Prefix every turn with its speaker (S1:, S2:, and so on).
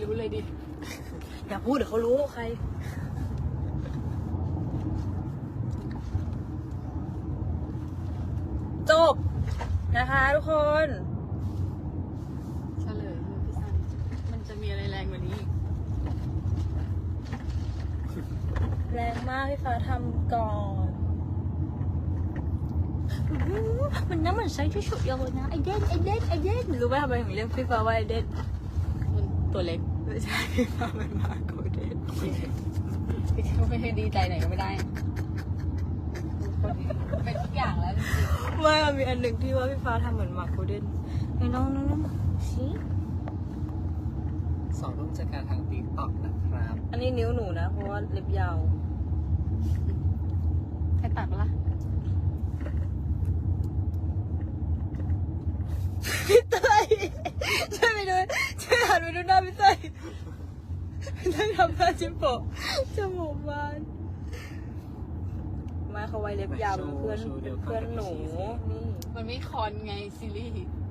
S1: รู้เลยดิ
S2: อย่าพูดเดี๋ยวเขารู้ใครจบนะคะทุกคน
S1: เฉลยมือพี่ซันมันจะมีอะไรแรงกว่านี้อีก
S2: แรงมากพี่ฟ้าทำก่อนมันน้ำมันใช้ที่สุดเลยนะไอเด่นรู้ไหมทำไมถึงเรียกพี่ฟ้าว่าไอเด่น
S1: มันตัวเล็ก
S2: ไม่ใช่พี่ฟ้าเป็นมาโกเด่น
S1: พี่เขาไม่ให้ดีใจไหนก็ไม่ได้เป็นทุกอย่างแล้วจริง
S2: ไม่มันมีอันหนึ่งที่ว่าพี่ฟ้าทำเหมือนมาโกเด่นไอ้น้องสิ
S3: 2 รูปจากการทางติ๊กต็อกนะครับ
S2: อันนี้นิ้วหนูนะเพราะว่าเล็บยาว
S1: ๆให้ตัดปะล่ะ
S2: พี่เต้ยช่วยไปดูช่วยหันไปดูหน้าพี่เต้ยพี่เต้ยทำหน้าจิ้มโปะจมูกบานมาเขาไว้เล็บยาวเป็นเพื่อนหนูนี่
S1: มันไม่คอนไงซีรีส์